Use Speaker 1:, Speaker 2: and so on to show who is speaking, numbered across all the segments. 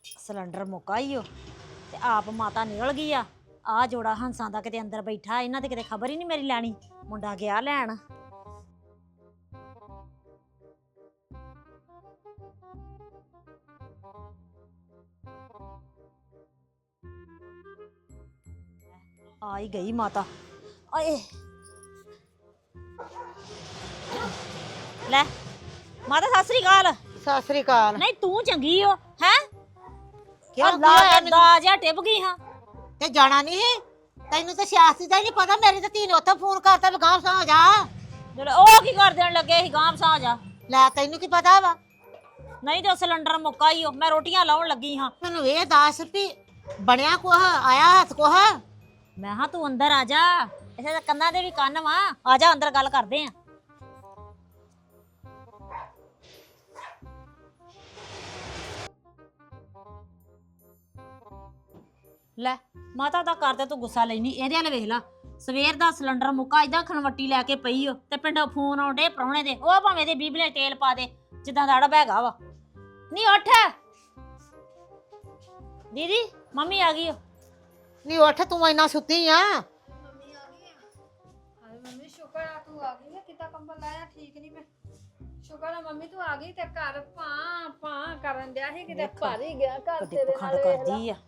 Speaker 1: Cylinder ਮੁੱਕਾ ਈ ਓ ਤੇ ਆਪ ਮਾਤਾ ਨਿਕਲ ਗਈ ਆ ਜੋੜਾ ਹੰਸਾਂ ਦਾ ਕਿਤੇ ਅੰਦਰ ਬੈਠਾ, ਇਹਨਾਂ ਤੇ ਕਿਤੇ ਖਬਰ ਹੀ ਨਹੀਂ ਮੇਰੀ ਲੈਣੀ। ਮੁੰਡਾ ਗਿਆ ਲੈਣ। ਆ ਹੀ ਗਈ ਮਾਤਾ। ਓਏ ਲੈ ਮਾਤਾ ਸਤਿ ਸ੍ਰੀ ਅਕਾਲ।
Speaker 2: ਸਤਿ ਸ੍ਰੀ ਅਕਾਲ।
Speaker 1: ਨਹੀਂ ਤੂੰ ਚੰਗੀ ਓ ਹੈ?
Speaker 2: ਕਿਉਂ
Speaker 1: ਦਾ ਜਿਹਾ ਟਿਪ ਗਈ ਹਾਂ
Speaker 2: ਤੇ ਜਾਣਾ ਨਹੀਂ ਤੈਨੂੰ ਤਾਂ ਸਿਆਸਤ ਦਾ ਹੀ ਨਹੀਂ ਪਤਾ। ਮੇਰੀ ਤਾਂ ਧੀ ਨੇ ਉੱਥੇ ਫੋਨ ਕਰਤਾ ਵੀ ਗਾਂਵ ਸਾਂ ਜਾ।
Speaker 1: ਉਹ ਕੀ ਕਰ ਦੇਣ ਲੱਗੇ ਸੀ ਗਾਂਵ ਸਾਂ ਜਾ?
Speaker 2: ਲੈ ਤੈਨੂੰ ਕੀ ਪਤਾ ਵਾ?
Speaker 1: ਨਹੀਂ ਤੇ ਸਿਲੰਡਰ ਮੁੱਕਾ ਹੀ ਓ, ਮੈਂ ਰੋਟੀਆਂ ਲਾਉਣ ਲੱਗੀ ਹਾਂ।
Speaker 2: ਮੈਨੂੰ ਇਹ ਦੱਸ ਵੀ ਬਣਿਆ ਕੁਛ, ਆਇਆ ਹੱਥ ਕੁਛ?
Speaker 1: ਮੈਂ ਹਾਂ ਤੂੰ ਅੰਦਰ ਆ ਜਾ, ਇਸੇ ਤਾਂ ਕੰਨਾਂ ਦੇ ਵੀ ਕੰਨ ਵਾ। ਆ ਜਾ ਅੰਦਰ ਗੱਲ ਕਰਦੇ ਆ। ਲੈ ਮਾਤਾ ਦਾ ਕਰਦੇ ਤੂੰ ਗੁੱਸਾ ਲੈਣੀ, ਇਹਦੇ ਨਾਲ ਵੇਖ ਲਾ ਸਵੇਰ ਦਾ ਸਿਲੰਡਰ ਮੁੱਕਾ ਇਦਾਂ ਖਣਵੱਟੀ ਲੈ ਕੇ ਪਈ ਓ ਤੇ ਪਿੰਡੋਂ ਫੋਨ ਆਉਂਦੇ ਪ੍ਰਾਹੁਣੇ ਦੇ, ਉਹ ਭਾਵੇਂ ਦੇ ਬੀਬਲੇ ਤੇਲ ਪਾ ਦੇ ਜਿੱਦਾਂ ਦਾ ਅੜਬ ਹੈਗਾ ਵਾ। ਨਹੀਂ ਉੱਠ ਦੀਦੀ, ਮੰਮੀ ਆ ਗਈ ਓ।
Speaker 2: ਨਹੀਂ ਉੱਠ, ਤੂੰ ਇੰਨਾ ਸੁੱਤੀ ਆ?
Speaker 3: ਮੰਮੀ ਆ ਗਈ ਆ। ਹਾਏ ਮੰਮੀ ਸ਼ੁਕਰ ਆ ਤੂੰ ਆ ਗਈ। ਕਿੱਦਾਂ ਕੰਬਲ ਲਾਇਆ? ਠੀਕ ਨਹੀਂ ਮੈਂ। ਸ਼ੁਕਰ ਆ ਮੰਮੀ ਤੂੰ ਆ ਗਈ ਤੇ ਘਰ ਭਾਂ ਭਾਂ ਕਰਨ ਦਿਆ ਸੀ, ਕਿਤੇ ਭਰ ਹੀ ਗਿਆ ਘਰ
Speaker 1: ਕਦੇ
Speaker 3: ਤੇਰੇ
Speaker 1: ਪਖੰਡ
Speaker 3: ਨਾਲ।
Speaker 1: ਕਰਦੀ ਆ।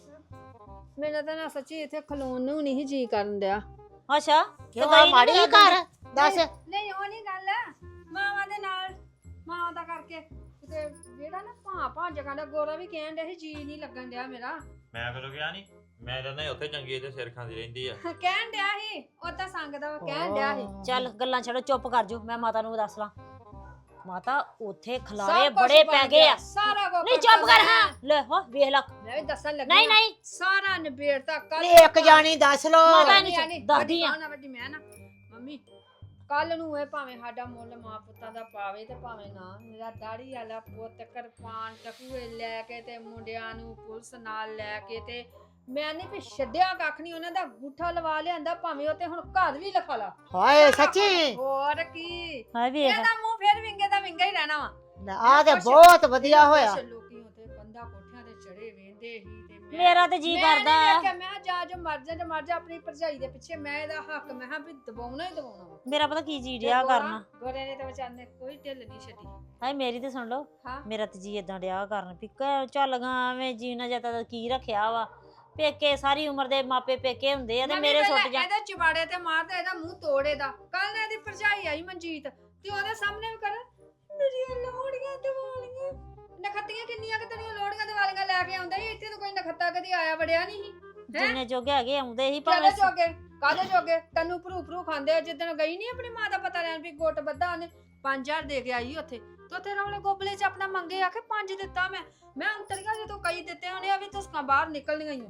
Speaker 3: ਮੇਰਾ ਤਾਂ ਨਾ ਸੱਚੀ ਇੱਥੇ ਖਲੋਣ ਨੂੰ ਨਹੀਂ ਜੀ ਕਰਨ ਦਿਆ।
Speaker 1: ਅੱਛਾ
Speaker 2: ਕਿਉਂ ਆ ਮਾੜੀ ਜਿਹੀ ਘਰ ਦੱਸ।
Speaker 3: ਨਹੀਂ ਉਹ ਨਹੀਂ ਗੱਲ, ਮਾਵਾਂ ਦੇ ਨਾਲ ਮਾਵਾਂ ਦਾ ਕਰਕੇ ਕਿਤੇ ਜਿਹੜਾ ਨਾ ਭਾਂ ਭਾਂ ਜਗ੍ਹਾ ਦਾ ਗੋਰਾ ਵੀ ਕਹਿਣ ਡਿਆ ਸੀ ਜੀ ਨਹੀਂ ਲੱਗਣ ਡਿਆ ਮੇਰਾ।
Speaker 4: ਮੈਂ ਕਦੋਂ ਗਿਆ ਨਹੀਂ, ਮੈਂ ਤਾਂ ਨਹੀਂ ਉੱਥੇ ਚੰਗੀ ਤੇ ਸਿਰ ਖਾਂਦੀ ਰਹਿੰਦੀ ਆ।
Speaker 3: ਕਹਿਣ ਡਿਆ ਸੀ ਉਹ ਤਾਂ ਸੰਗਦਾ ਵਾ, ਕਹਿਣ ਡਿਆ ਸੀ।
Speaker 1: ਚੱਲ ਗੱਲਾਂ ਛੱਡੋ, ਚੁੱਪ ਕਰ ਜਾਓ, ਮੈਂ ਮਾਤਾ ਨੂੰ ਦੱਸ ਲਾਂ। ਮਾਤਾ ਉੱਥੇ ਖਲਾਰੇ
Speaker 3: ਸਭ ਕੁਛ
Speaker 1: ਬੜੇ
Speaker 3: ਬਣ
Speaker 1: ਪੈ ਗਏ
Speaker 3: ਗਿਆ,
Speaker 1: ਆ।
Speaker 3: ਸਾਰਾ ਕੁਝ।
Speaker 1: ਨਹੀਂ ਚੁੱਪ ਕਰ। ਹਾਂ ਲੈ ਹੋ ਵੇਖ ਲੈ।
Speaker 3: ਮੈਂ ਵੀ ਦੱਸਣ ਲੱਗੀ
Speaker 1: ਨਹੀਂ
Speaker 3: ਆਂ।
Speaker 1: ਨਹੀਂ
Speaker 3: ਸਾਰਾ ਨਿਬੇੜਤਾ ਕੱਲ।
Speaker 2: ਨਹੀਂ ਇੱਕ ਜਾਣੀ ਦੱਸ ਲੋ।
Speaker 1: ਮਾਤਾ ਨੂੰ ਦੱਸਦੀ ਆ।
Speaker 3: ਮੈਂ ਨਾ ਮੰਮੀ ਕੱਲ ਨੂੰ ਇਹ ਭਾਵੇਂ ਸਾਡਾ ਮੁੱਲ ਮਾਂ ਪੁੱਤਾਂ ਦਾ ਪਾਵੇ ਤੇ ਭਾਵੇਂ ਨਾ, ਮੇਰਾ ਦਾੜੀ ਵਾਲਾ ਪੁੱਤ ਕਿਰਪਾਨ ਟਕੂਏ ਲੈ ਕੇ ਤੇ ਮੁੰਡਿਆਂ ਨੂੰ ਪੁਲਿਸ ਨਾਲ ਲੈ ਕੇ ਤੇ ਮੈਂ ਨਹੀਂ ਵੀ ਛੱਡਿਆ ਕੱਖ ਨਹੀਂ। ਉਹਨਾਂ ਦਾ ਅੰਗੂਠਾ ਲਵਾ ਲਿਆਂਦਾ, ਭਾਵੇਂ ਉਹ ਤੇ ਹੁਣ ਘਰ ਵੀ ਲਿਖਾ ਲਾ।
Speaker 2: ਹਾਏ ਸੱਚੀ?
Speaker 3: ਹੋਰ ਕੀ,
Speaker 1: ਹਾਂ ਵੇਖ
Speaker 3: ਇਹਦਾ ਮੂੰਹ ਫੇਰ ਵਿੰਗੇ ਦਾ ਵਿੰਗਾ ਹੀ ਰਹਿਣਾ ਵਾ।
Speaker 2: ਆ ਤੇ ਬਹੁਤ ਵਧੀਆ ਹੋਇਆ।
Speaker 3: ਕੁਛ ਲੋਕੀ ਉੱਥੇ ਕੰਧਾ ਕੋਠਿਆਂ ਤੇ ਚੜੇ ਵੇਂਦੇ ਸੀ ਤੇ
Speaker 1: ਮੇਰਾ ਤੇ ਜੀ ਕਰਦਾ
Speaker 3: ਮੈਂ ਕਿਹਾ ਜਾ ਜੋ ਮਰ ਜਾ ਤੇ ਮਰ ਜਾ ਆਪਣੀ ਭਰਜਾਈ ਦੇ ਪਿੱਛੇ। ਮੈਂ ਇਹਦਾ ਹੱਕ ਮੈਂ ਹਾਂ ਵੀ ਦਬਾਉਣਾ ਹੀ ਦਬਾਉਣਾ ਵਾ।
Speaker 1: ਮੇਰਾ ਪਤਾ ਕੀ ਜੀ ਡਿਆ ਕਰਨਾ।
Speaker 3: ਗੋਰੇ ਨੇ ਤੇ ਵਿਚਾਰ ਨੇ ਕੋਈ ਢਿੱਲ ਨਹੀਂ ਛੱਡੀ।
Speaker 1: ਹਾਏ ਮੇਰੀ ਤੇ ਸੁਣ ਲਓ,
Speaker 3: ਹਾਂ।
Speaker 1: ਮੇਰਾ ਤੇ ਜੀ ਇਦਾਂ ਡਿਆ ਕਰਨ ਵੀ ਚੱਲ ਗਾ ਐਵੇਂ ਜੀਣਾ ਜਾਂ ਤਾਂ ਕੀ ਰੱਖਿਆ ਵਾ। ਪੇਕੇ ਸਾਰੀ ਉਮਰ ਦੇ ਮਾਪੇ ਪੇਕੇ ਹੁੰਦੇ ਆ ਤੇ ਮੇਰੇ ਸੁੱਟ ਜਾ।
Speaker 3: ਇਹਦੇ ਚਿਬਾੜੇ ਤੇ ਮਾਰਦਾ, ਇਹਦਾ ਮੂੰਹ ਤੋੜੇ ਦਾ। ਕੱਲ ਨੇ ਇਹਦੀ ਭਰਜਾਈ ਆਈ ਮਨਜੀਤ ਤੇ ਉਹਦੇ ਸਾਹਮਣੇ ਵੀ ਕਰ ਮੇਰੀਆਂ ਲੋੜੀਆਂ ਦਿਵਾਲੀਆਂ ਨਖੱਤੀਆਂ ਕਿੰਨੀਆਂ ਕਿ ਤੇਰੀਆਂ ਲੋੜੀਆਂ ਦਿਵਾਲੀਆਂ ਲੈ ਕੇ ਆਉਂਦੇ ਸੀ। ਇੱਥੇ ਤਾਂ ਕੋਈ ਨਖੱਤਾ ਕਦੀ ਆਇਆ ਵੜਿਆ ਨਹੀਂ ਸੀ।
Speaker 1: ਜਿੰਨੇ ਜੋਗੇ ਹੈਗੇ ਆਉਂਦੇ ਸੀ
Speaker 3: ਕਾਹਦੇ
Speaker 1: ਭਾਵੇਂ।
Speaker 3: ਜੋਗੇ ਕਾਹਦੇ ਜੋਗੇ? ਤੈਨੂੰ ਭਰੂ ਖਾਂਦੇ ਆ। ਜਿੱਦਣ ਗਈ ਨਹੀਂ ਆਪਣੀ ਮਾਂ ਦਾ ਪਤਾ ਲੈਣ ਵੀ ਗੁੱਟ ਬੱਧਾ ਉਹਨੇ 5000 ਦੇ ਕੇ ਆਈ ਉੱਥੇ ਤੇ ਉੱਥੇ ਰੌਲੇ ਗੋਬਲੇ ਚ ਆਪਣਾ ਮੰਗੇ ਆਖੇ 5 ਦਿੱਤਾ। ਮੈਂ ਅੰਤਰੀਆਂ ਜਦੋਂ ਕਈ ਦਿੱਤੇ ਹੋਣੇ ਆ ਵੀ ਤੁਸਕਾਂ ਬਾਹਰ ਨਿਕਲਣੀਆਂ ਹੀ।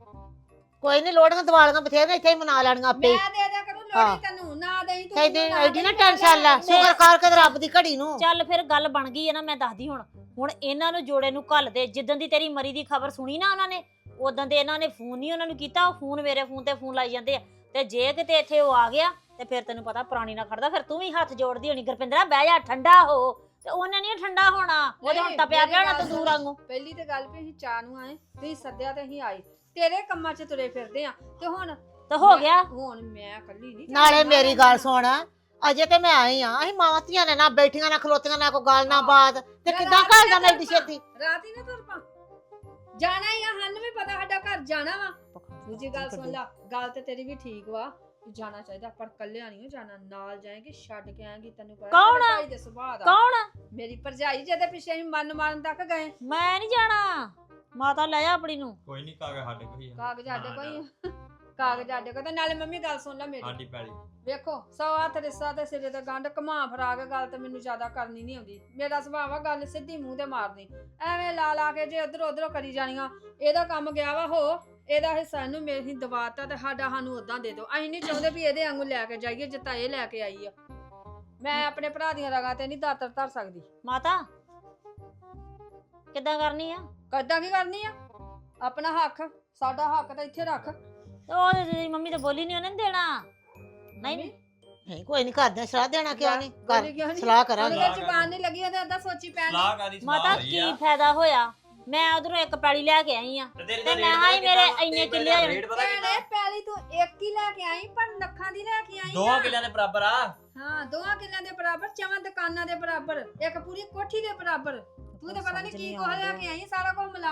Speaker 2: ਕੋਈ ਨਹੀਂ, ਲੋੜੀਆਂ ਦਿਵਾਲੀਆਂ ਬਥੇਰੀਆਂ ਇੱਥੇ ਹੀ ਮਨਾ ਲੈਣੀਆਂ ਆਪੇ।
Speaker 3: ਮੈਂ ਦੇ ਦਿਆ ਕਰੂੰ ਲੋੜੀ, ਤੈਨੂੰ ਨਾ ਦੇਈ ਤੂੰ।
Speaker 2: ਕਹਿੰਦੇ ਐਡੀ ਨਾ ਟੈਨਸ਼ਨ ਲੈ, ਸ਼ੁਕਰ ਕਰ ਕੇ ਰੱਬ ਦੀ ਘੜੀ ਨੂੰ।
Speaker 1: ਚੱਲ ਫਿਰ ਗੱਲ ਬਣ ਗਈ ਹੈ ਨਾ, ਮੈਂ ਦੱਸਦੀ ਹੁਣ ਇਹਨਾਂ ਨੂੰ ਜੋੜੇ ਨੂੰ ਘੱਲ ਦੇ। ਜਿੱਦਣ ਦੀ ਤੇਰੀ ਮਰੀ ਦੀ ਖਬਰ ਸੁਣੀ ਨਾ ਉਹਨਾਂ ਨੇ, ਉਦੋਂ ਦੇ ਇਹਨਾਂ ਨੇ ਫੋਨ ਨਹੀਂ ਉਹਨਾਂ ਨੂੰ ਕੀਤਾ। ਉਹ ਫੋਨ ਮੇਰੇ ਫੋਨ ਤੇ ਫੋਨ ਲਾਈ ਜਾਂਦੇ ਆ। ਤੇ ਜੇ ਕਿਤੇ ਇੱਥੇ ਉਹ ਆ ਗਿਆ ਤੇ ਫਿਰ ਤੈਨੂੰ ਪਤਾ ਪ੍ਰਾਣੀ ਨਾ ਖੜਦਾ। ਫਿਰ ਤੂੰ ਵੀ ਹੱਥ ਜੋੜਦੀ ਹੋਣੀ, ਗੁਰਪਿੰਦਰਾ ਬਹਿ ਜਾ ਠੰਡਾ ਹੋ। ਤੇ ਉਹਨੇ ਨਹੀਂ ਠੰਡਾ ਹੋਣਾ, ਉਹਦੇ ਹੁਣ ਤਪਿਆ ਪਿਆ ਹੋਣਾ ਤੰਦੂਰ ਵਾਂਗੂ।
Speaker 3: ਪਹਿਲੀ ਤੇ ਗੱਲ ਵੀ ਅਸੀਂ ਚਾਹ ਨੂੰ ਆਏ, ਤੁਸੀਂ ਸੱਦਿਆ ਤੇ ਅਸੀਂ ਆਏ, ਤੇਰੇ ਕੰਮਾਂ 'ਚ ਤੁਰੇ ਫਿਰਦੇ ਆ ਤੇ ਹੁਣ
Speaker 1: ਤੇ ਹੋ ਗਿਆ।
Speaker 3: ਹੁਣ ਮੈਂ ਇਕੱਲੀ ਨਹੀਂ।
Speaker 2: ਨਾਲੇ ਮੇਰੀ ਗੱਲ ਸੁਣ, ਅਜੇ ਤੇ ਮੈਂ ਆਈ ਆ। ਅਸੀਂ ਮਾਵਾਂ ਧੀਆਂ ਨੇ ਨਾ ਬੈਠੀਆਂ ਨਾ ਖਲੋਤੀਆਂ, ਨਾ ਕੋਈ ਗੱਲ ਨਾ ਬਾਤ, ਤੇ ਕਿੱਦਾਂ ਘਰ ਦਾ ਮੇਰੀ ਛੇਤੀ
Speaker 3: ਰਾਤ ਹੀ ਨਾ ਤੁਰ ਪਾ। ਜਾਣਾ ਹੀ ਆ, ਸਾਨੂੰ ਵੀ ਪਤਾ ਸਾਡਾ ਘਰ ਜਾਣਾ ਵਾ। ਦੂਜੀ ਗੱਲ ਸੁਣ ਲਾ, ਗੱਲ ਤੇ ਤੇਰੀ ਵੀ ਠੀਕ ਵਾ, ਜਾਣਾ ਚਾਹੀਦਾ ਪਰ ਕੱਲਿਆ ਨਹੀਂ ਜਾਣਾ। ਨਾਲ ਜਾਏਗੀ, ਛੱਡ ਕੇ ਆਏਗੀ। ਤੈਨੂੰ ਪਤਾ
Speaker 1: ਕੌਣ ਆ?
Speaker 3: ਭਾਈ ਦੇ ਸੁਭਾਅ ਦਾ।
Speaker 1: ਕੌਣ?
Speaker 3: ਮੇਰੀ ਭਰਜਾਈ ਜਿਹਦੇ ਪਿੱਛੇ ਅਸੀਂ ਮਨ ਮਾਰਨ ਤੱਕ ਗਏ।
Speaker 1: ਮੈਂ ਨਹੀਂ ਜਾਣਾ, ਮਾਤਾ ਲੈ ਜਾ ਆਪਣੀ ਨੂੰ।
Speaker 4: ਕੋਈ ਨਹੀਂ, ਕਾਗਜ਼ ਸਾਡੇ ਕੋਈ ਆ।
Speaker 3: ਕਾਗਜ਼ ਸਾਡੇ ਕੋਈ ਕਾਗਜ਼ ਸਾਡੇ ਕੋਲ। ਤੇ ਨਾਲੇ ਮੰਮੀ ਗੱਲ ਸੁਣ ਲੈ ਮੇਰੀ,
Speaker 4: ਸਾਡੀ ਪੈਲੀ
Speaker 3: ਵੇਖੋ 100 ਹੱਥ ਰਿਸ਼ਤਾ ਤੇ ਸਿਰੇ ਤੇ ਗੰਢ ਘੁਮਾ ਫਰਾ ਕੇ ਗੱਲ ਤੇ ਮੈਨੂੰ ਜ਼ਿਆਦਾ ਕਰਨੀ ਨਹੀਂ ਆਉਂਦੀ। ਮੇਰਾ ਸੁਭਾਅ ਵਾ ਗੱਲ ਸਿੱਧੀ ਮੂੰਹ ਤੇ ਮਾਰਨੀ, ਐਵੇਂ ਲਾ ਕੇ ਜੇ ਉਧਰ ਉਧਰੋਂ ਕਰੀ ਜਾਣੀਆਂ। ਇਹਦਾ ਕੰਮ ਗਿਆ ਵਾ ਹੋ, ਇਹਦਾ ਹਿੱਸਾ ਇਹਨੂੰ ਮੇਰੀ ਦਵਾਤਾ ਤੇ ਸਾਡਾ ਸਾਨੂੰ ਉਦਾਂ ਦੇ ਦਿਓ। ਅਸੀਂ ਨਹੀਂ ਚਾਹੁੰਦੇ ਵੀ ਇਹਦੇ ਵਾਂਗੂ ਲੈ ਕੇ ਜਾਈਏ ਜਿੱਤਾ ਇਹ ਲੈ ਕੇ ਆਈ ਆ। ਮੈਂ ਆਪਣੇ ਭਰਾ ਦੀਆਂ ਰਗਾਂ ਤੇ ਨਹੀਂ ਦਾਤਰ ਧਰ ਸਕਦੀ।
Speaker 1: ਮਾਤਾ ਕਿੱਦਾਂ ਕਰਨੀ ਆ?
Speaker 3: ਕੱਦਾਂ ਕੀ ਕਰਨੀ ਆ? ਆਪਣਾ ਹੱਕ, ਸਾਡਾ ਹੱਕ ਤਾਂ ਇੱਥੇ ਰੱਖ।
Speaker 1: ਉਹ ਤੇਰੀ ਮੰਮੀ ਤਾਂ ਬੋਲੀ ਨਹੀਂ, ਉਹਨੇ ਨੀ ਦੇਣਾ। ਨਹੀਂ
Speaker 2: ਨਹੀਂ ਕੋਈ ਨਹੀਂ, ਕਰਦੇ ਸਲਾਹ ਦੇਣਾ ਕਿਉਂ ਨਹੀਂ?
Speaker 3: ਬੋਲੀ ਕਿਉਂ
Speaker 2: ਕਰ
Speaker 3: ਨੀ?
Speaker 2: ਸਲਾਹ ਕਰਾਂਗੇ।
Speaker 3: ਉਹਦੇ ਜ਼ਬਾਨ ਨਹੀਂ ਲੱਗੀ, ਉਹਦੇ ਅੱਧਾ ਸੋਚੀ ਪੈਣ।
Speaker 4: ਸਲਾਹ ਕਾਦੀ
Speaker 1: ਮਾਤਾ
Speaker 4: ਸਲਾਹ ਹੋਈ
Speaker 1: ਕੀ
Speaker 4: ਆ।
Speaker 1: ਫਾਇਦਾ ਹੋਇਆ? ਮੈਂ ਉਧਰੋਂ ਇੱਕ ਪੈਲੀ ਲੈ ਕੇ ਆਈ ਆ
Speaker 4: ਤੇਰੀ
Speaker 1: ਤੇ ਮੈਂ ਹਾਂ ਹੀ ਮੇਰੇ ਇੰਨੇ ਕਿੱਲੇ ਆ
Speaker 4: ਰੇਟ ਪਤਾ ਕਿੰਨਾ
Speaker 3: ਭੈਣੇ ਪਹਿਲੀ ਤੂੰ ਇੱਕ ਹੀ ਲੈ ਕੇ ਆਈ ਪਰ ਲੱਖਾਂ ਦੀ ਲੈ ਕੇ ਆਈ
Speaker 4: 2
Speaker 3: ਆ।
Speaker 4: ਕਿੱਲਿਆਂ ਦੇ ਬਰਾਬਰ ਆ।
Speaker 3: ਹਾਂ 2 ਕਿੱਲਿਆਂ ਦੇ ਬਰਾਬਰ 4 ਦੁਕਾਨਾਂ ਦੇ ਬਰਾਬਰ ਇੱਕ ਪੂਰੀ ਕੋਠੀ ਦੇ ਬਰਾਬਰ ਤੂੰ ਤਾਂ ਪਤਾ ਨਹੀਂ ਕੀ ਕੁਝ ਲੈ ਕੇ ਆਈ ਸਾਰਾ ਕੁਝ ਮਿਲਾ।